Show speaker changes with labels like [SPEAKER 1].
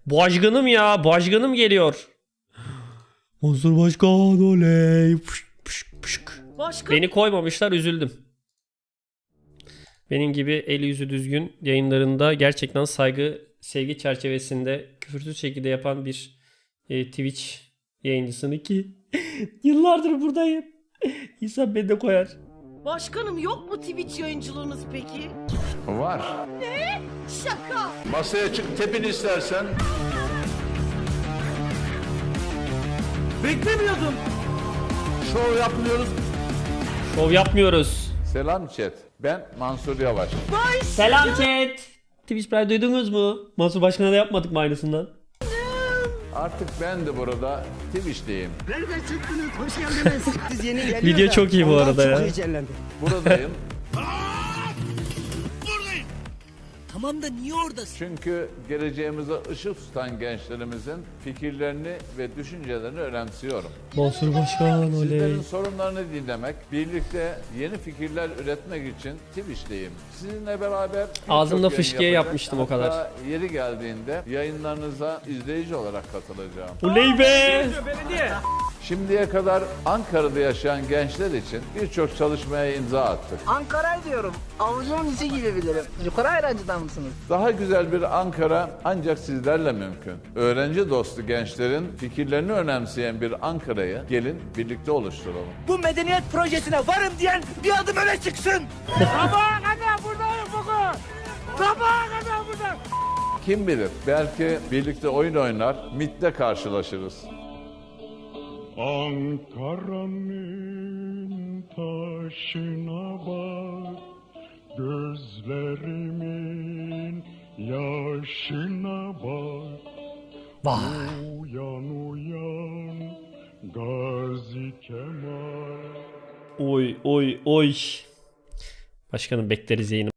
[SPEAKER 1] Başkanım ya. Başkanım geliyor. Mansur Başkan oley. Pışk pışk pışk. Beni koymamışlar, üzüldüm. Benim gibi eli yüzü düzgün yayınlarında gerçekten saygı, sevgi çerçevesinde küfürsüz şekilde yapan bir Twitch yayıncısını ki yıllardır buradayım. İnsan beni de koyar.
[SPEAKER 2] Başkanım yok mu Twitch yayıncılığınız peki?
[SPEAKER 3] Var.
[SPEAKER 2] Ne? Şaka.
[SPEAKER 3] Masaya çık tepin istersen.
[SPEAKER 2] Beklemiyordum.
[SPEAKER 3] Şov yapmıyoruz.
[SPEAKER 1] Şov yapmıyoruz.
[SPEAKER 3] Selam chat. Ben Mansur Yavaş.
[SPEAKER 1] Selam chat. Twitch Prime duydunuz mu? Mansur Başkan'a da yapmadık mı aynısından?
[SPEAKER 3] Artık ben de burada Twitch'teyim.
[SPEAKER 4] Nereden çıktınız? Hoş geldiniz. Siz yeni geliyor
[SPEAKER 1] Video
[SPEAKER 4] da
[SPEAKER 1] çok iyi bu
[SPEAKER 4] ondan
[SPEAKER 1] arada
[SPEAKER 4] çok
[SPEAKER 1] ya.
[SPEAKER 4] heyecanlandım.
[SPEAKER 3] Buradayım.
[SPEAKER 4] Tamam da niye oradasın?
[SPEAKER 3] Çünkü geleceğimize ışık tutan gençlerimizin fikirlerini ve düşüncelerini önemsiyorum.
[SPEAKER 1] Mansur Başkan oley.
[SPEAKER 3] Sizlerin sorunlarını dinlemek, birlikte yeni fikirler üretmek için Twitch'teyim. Sizinle beraber birçok
[SPEAKER 1] Ağzımda
[SPEAKER 3] yayın
[SPEAKER 1] fışkiye
[SPEAKER 3] yapacak.
[SPEAKER 1] yapmıştım o
[SPEAKER 3] Hatta
[SPEAKER 1] kadar.
[SPEAKER 3] yeri geldiğinde yayınlarınıza izleyici olarak katılacağım.
[SPEAKER 1] Oley be.
[SPEAKER 3] Şimdiye kadar Ankara'da yaşayan gençler için birçok çalışmaya imza attık.
[SPEAKER 5] Ankara'yı diyorum. Avucumun içi gibi bilirim. Yukarı ayrancıdan mısınız?
[SPEAKER 3] Daha güzel bir Ankara ancak sizlerle mümkün. Öğrenci dostu gençlerin fikirlerini önemseyen bir Ankara'yı gelin birlikte oluşturalım.
[SPEAKER 4] Bu medeniyet projesine varım diyen bir adım öne çıksın. Sabaha kadar buradayım bugün. Sabaha kadar buradayım.
[SPEAKER 3] Kim bilir belki birlikte oyun oynar, MİT'te karşılaşırız.
[SPEAKER 6] Ankara'nın taşına bak, gözlerimin yaşına bak.
[SPEAKER 1] Vay.
[SPEAKER 6] Uyan uyan Gazi Kemal.
[SPEAKER 1] Oy oy oy. Başkanım bekleriz yayını.